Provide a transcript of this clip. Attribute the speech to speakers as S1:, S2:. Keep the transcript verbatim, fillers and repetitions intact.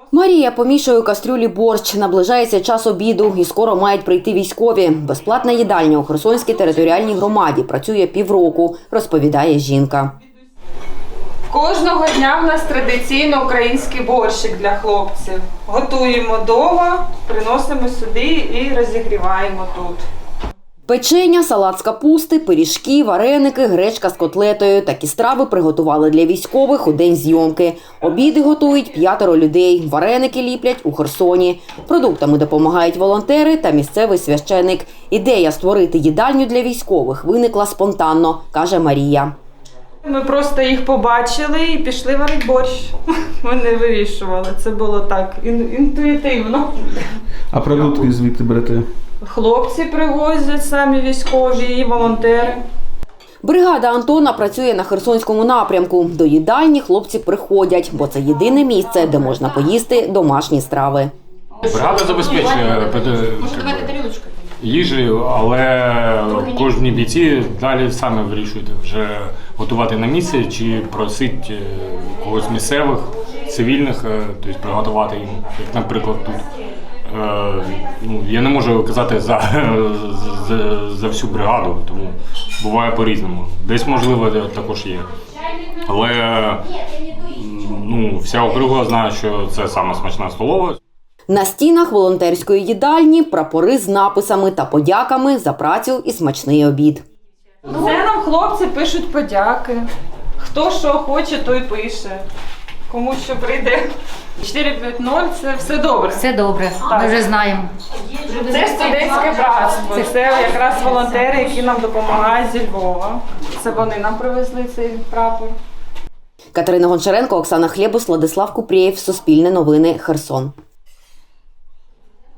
S1: Марія помішує у кастрюлі борщ. Наближається час обіду і скоро мають прийти військові. Безплатна їдальня у Херсонській територіальній громаді працює півроку, розповідає жінка.
S2: Кожного дня в нас традиційно український борщик для хлопців. Готуємо вдома, приносимо сюди і розігріваємо тут.
S1: Печення, салат з капусти, пиріжки, вареники, гречка з котлетою. Такі страви приготували для військових у день зйомки. Обіди готують п'ятеро людей. Вареники ліплять у Херсоні. Продуктами допомагають волонтери та місцевий священик. Ідея створити їдальню для військових виникла спонтанно, каже Марія.
S2: Ми просто їх побачили і пішли варити борщ. Ми не вирішували, це було так інтуїтивно.
S3: А продукти звідти берете?
S2: Хлопці привозять, самі військові і волонтери.
S1: Бригада Антона працює на Херсонському напрямку. До їдальні хлопці приходять, бо це єдине місце, де можна поїсти домашні страви.
S4: Бригада забезпечує їжею, але кожні бійці далі самі вирішують вже готувати на місці чи просить когось з місцевих, цивільних, тобто приготувати їм, як, наприклад, тут. Ну, я не можу казати за, за, за всю бригаду, тому буває по-різному. Десь, можливо, також є. Але ну, вся округа знає, що це саме смачна столова.
S1: На стінах волонтерської їдальні прапори з написами та подяками за працю і смачний обід.
S2: Це нам хлопці пишуть подяки. Хто що хоче, той пише. Кому що прийде. чотири п'ять нуль – це все добре.
S5: Все добре, ми вже знаємо.
S2: Це студентське братство. Це якраз волонтери, які нам допомагають зі Львова. Це вони нам привезли цей прапор.
S1: Катерина Гончаренко, Оксана Хлєбус, Владислав Купрієв, Суспільне новини, Херсон.